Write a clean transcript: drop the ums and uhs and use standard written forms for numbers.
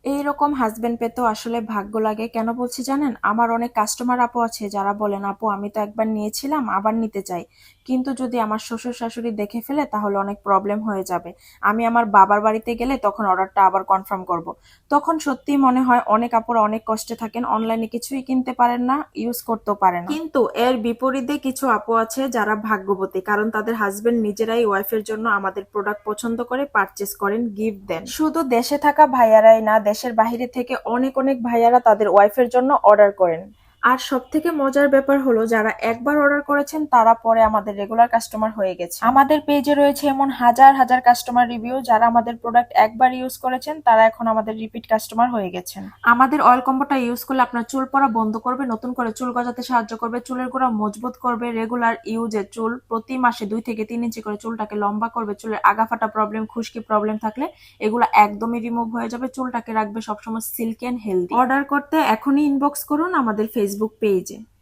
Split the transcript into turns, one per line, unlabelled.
এইরকম হাজবেন্ড পেতেও আসলে ভাগ্য লাগে। কেন বলছি জানেন? আমার অনেক কাস্টমার আপু আছে যারা বলেন, আপু আমি তো একবার নিয়েছিলাম আবার নিতে চাই, কিন্তু যদি আমার শ্বশুর শাশুড়ি দেখে ফেলে তাহলে অনেক প্রবলেম হয়ে যাবে। আমি আমার বাবার বাড়িতে গেলে তখন অর্ডারটা আবার কনফার্ম করব। তখন সত্যি মনে হয় অনেক আপুরা অনেক কষ্টে থাকেন, অনলাইনে কিছুই কিনতে পারেন না, ইউজ করতেও পারেন না। কিন্তু এর বিপরীতে কিছু আপু আছে যারা ভাগ্যবতী, কারণ তাদের হাজবেন্ড নিজেরাই ওয়াইফের জন্য আমাদের প্রোডাক্ট পছন্দ করে পারচেস করেন, গিফট দেন। শুধু দেশে থাকা ভাইয়ারাই না, দেশের বাইরে থেকে অনেক অনেক ভাইয়ারা তাদের ওয়াইফের জন্য অর্ডার করেন। আর সব থেকে মজার ব্যাপার হলো, যারা একবার অর্ডার করেছেন তারা পরে আমাদের রেগুলার কাস্টমার হয়ে গেছে। আমাদের পেজে রয়েছে এমন হাজার হাজার কাস্টমার রিভিউ, যারা আমাদের প্রোডাক্ট একবার ইউজ করেছেন তারা এখন আমাদের রিপিট কাস্টমার হয়ে গেছেন। আমাদের অয়েল কম্বোটা ইউজ করলে আপনার চুল পড়া বন্ধ করবে, নতুন করে চুল গজাতে সাহায্য করবে, চুলের গোড়া মজবুত করবে, রেগুলার ইউজে চুল প্রতি মাসে 2 থেকে 3 ইঞ্চি করে চুলটাকে লম্বা করবে, চুলের আগা ফাটা প্রবলেম, খুশকি প্রবলেম থাকলে এগুলো একদমই রিমুভ হয়ে যাবে, চুলটাকে রাখবে সবসময় সিল্কি এন্ড হেলদি। অর্ডার করতে এখনই ইনবক্স করুন আমাদের ফেসবুক পেজে।